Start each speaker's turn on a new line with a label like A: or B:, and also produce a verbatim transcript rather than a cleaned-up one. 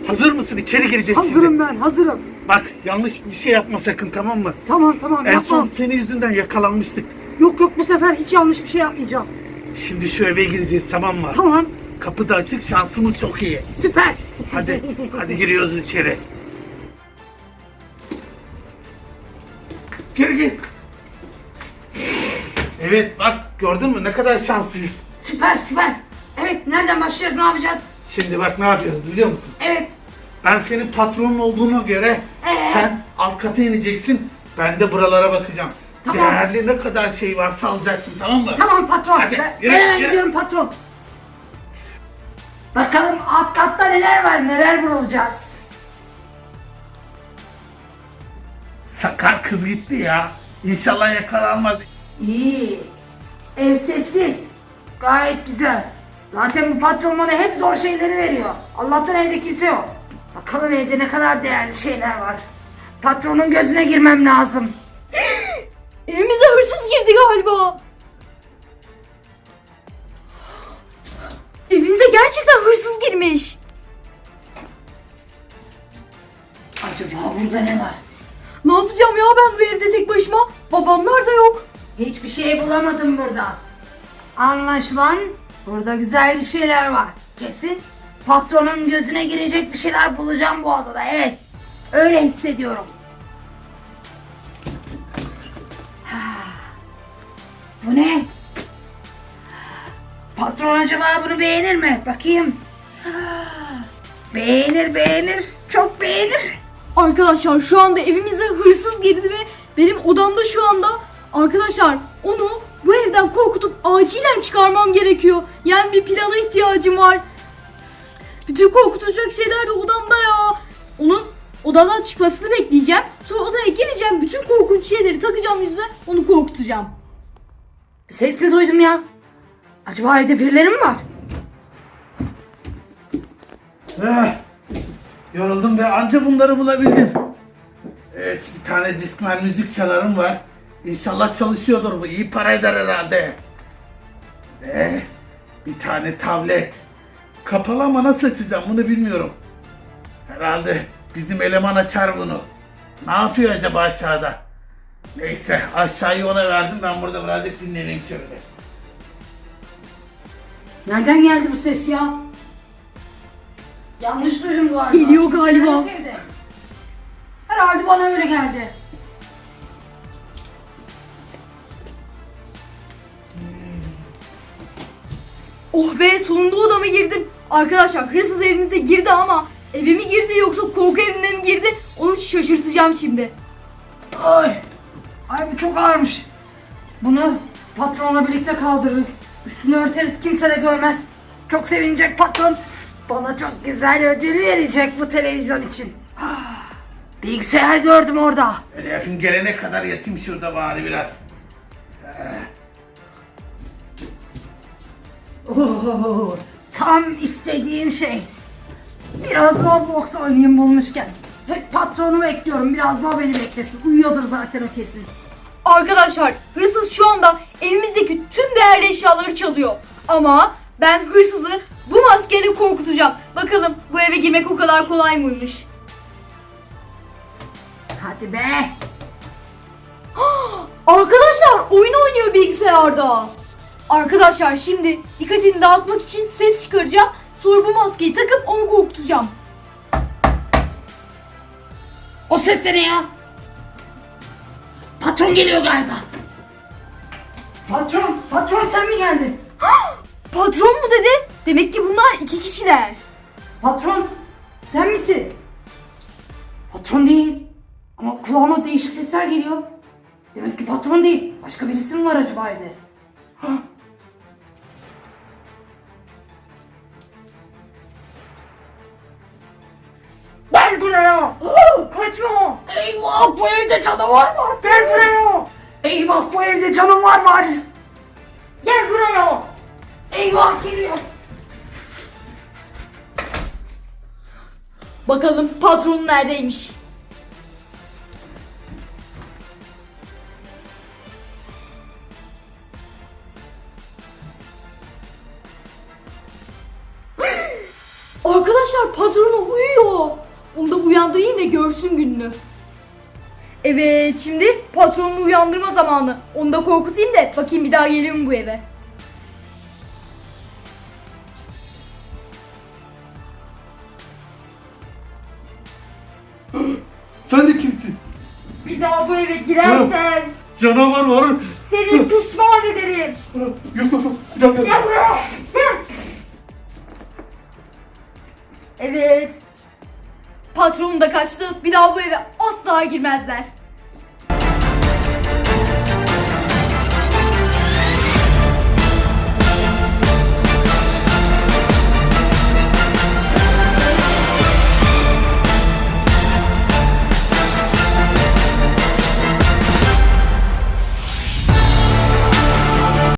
A: Hazır mısın? İçeri gireceğiz
B: Hazırım
A: şimdi.
B: ben, hazırım.
A: Bak yanlış bir şey yapma sakın, tamam mı?
B: Tamam tamam,
A: En
B: yapmam.
A: son senin yüzünden yakalanmıştık.
B: Yok yok, bu sefer hiç yanlış bir şey yapmayacağım.
A: Şimdi şu eve gireceğiz, tamam mı?
B: Tamam,
A: Kapı da açık, şansımız çok iyi.
B: süper.
A: Hadi, hadi giriyoruz içeri. Gir gir. Evet bak, gördün mü ne kadar şanslıyız.
B: Süper süper. Evet, nereden başlıyoruz, ne yapacağız?
A: Şimdi bak ne yapıyoruz biliyor musun?
B: Evet.
A: Ben senin patronun olduğuna göre
B: Ee?
A: sen alt kata ineceksin. Ben de buralara bakacağım.
B: Tamam.
A: Değerli ne kadar şey varsa alacaksın, tamam mı?
B: Tamam patron.
A: Hadi,
B: ben,
A: yürü,
B: ben hemen
A: yürü.
B: gidiyorum patron. Bakalım alt katta neler var, neler bulacağız.
A: Sakar kız gitti ya. İnşallah yakalanmaz.
B: İyi. Ev sessiz. Gayet güzel. Zaten bu patron bana hep zor şeyleri veriyor. Allah'tan evde kimse yok. Bakalım evde ne kadar değerli şeyler var. Patronun gözüne girmem lazım.
C: Evimize hırsız girdi galiba. Evimize gerçekten hırsız girmiş.
B: Acaba burada ne var?
C: Ne yapacağım ya ben bu evde tek başıma? Babamlar da yok.
B: Hiçbir şey bulamadım burada. Anlaşılan burada güzel bir şeyler var. Kesin patronun gözüne girecek bir şeyler bulacağım bu odada. Evet. Öyle hissediyorum. Ha. Bu ne? Patron acaba bunu beğenir mi? Bakayım. Ha. Beğenir beğenir. Çok beğenir.
C: Arkadaşlar şu anda evimize hırsız girdi ve benim odamda şu anda. Arkadaşlar onu bu evden korkutup acilen çıkarmam gerekiyor. Yani bir plana ihtiyacım var. Bütün korkutacak şeyler de odamda ya. Onun odadan çıkmasını bekleyeceğim. Sonra odaya geleceğim. Bütün korkunç şeyleri takacağım yüzüme. Onu korkutacağım.
B: Bir ses mi duydum ya? Acaba evde birileri mi var?
A: Eh, yoruldum ve anca bunları bulabildim. Evet, bir tane Discman müzik çalarım var. İnşallah çalışıyordur bu. İyi para eder herhalde. Eh, bir tane tablet. Kapalı ama nasıl açacağım bunu bilmiyorum. Herhalde bizim eleman açar bunu. Ne yapıyor acaba aşağıda? Neyse aşağıyı ona verdim, ben burada birazcık dinleneyim şöyle.
B: Nereden geldi bu ses ya? Yanlış duydum galiba.
C: Geliyor galiba.
B: Herhalde evde. Herhalde bana öyle geldi.
C: Oh be, sonunda odama girdim. Arkadaşlar hırsız evimize girdi ama eve mi girdi yoksa korku evine mi girdi onu şaşırtacağım şimdi.
B: Ay. Ay bu çok ağırmış. Bunu patronla birlikte kaldırırız. Üstünü örteriz, kimse de görmez. Çok sevinecek patron. Bana çok güzel ödül verecek bu televizyon için. Ah, bilgisayar gördüm orada.
A: Öyle yapayım, gelene kadar yatayım şurada bari biraz.
B: Oo, tam istediğim şey. Biraz Roblox oynayayım bulmuşken. Hep patronu bekliyorum. Biraz da o beni beklesin. Uyuyordur zaten o kesin.
C: Arkadaşlar hırsız şu anda evimizdeki tüm değerli eşyaları çalıyor. Ama ben hırsızı bu maskeyle korkutacağım. Bakalım bu eve girmek o kadar kolay mıymış?
B: Hadi be.
C: Arkadaşlar oyun oynuyor bilgisayarda. Arkadaşlar şimdi dikkatini dağıtmak için ses çıkaracağım. Sonra bu maskeyi takıp onu korkutacağım.
B: O ses de ne ya? Patron geliyor galiba. Patron, patron sen mi geldin?
C: Patron mu dedi? Demek ki bunlar iki kişiler.
B: Patron, sen misin? Patron değil. Ama kulağıma değişik sesler geliyor. Demek ki patron değil. Başka birisi mi var acaba evde? Hah.
C: Gel buraya. Kaçma.
B: Eyvah, bu evde canavar var.
C: Gel buraya.
B: Eyvah, bu evde canavar var.
C: Gel buraya.
B: Eyvah, geliyor.
C: Bakalım patronun neredeymiş? Arkadaşlar patronu uyuyor. Onu da uyandırayım ve görsün gününü. Evet, şimdi patronunu uyandırma zamanı. Onu da korkutayım da bakayım bir daha geliyor mu bu eve.
A: Sen de kimsin?
C: Bir daha bu eve girersen
A: Canavar var.
C: seni pişman ederim.
A: Yusuf, bir dakika.
C: Gel buraya. Gel. Evet. Patron da kaçtı. Bir daha bu eve asla girmezler.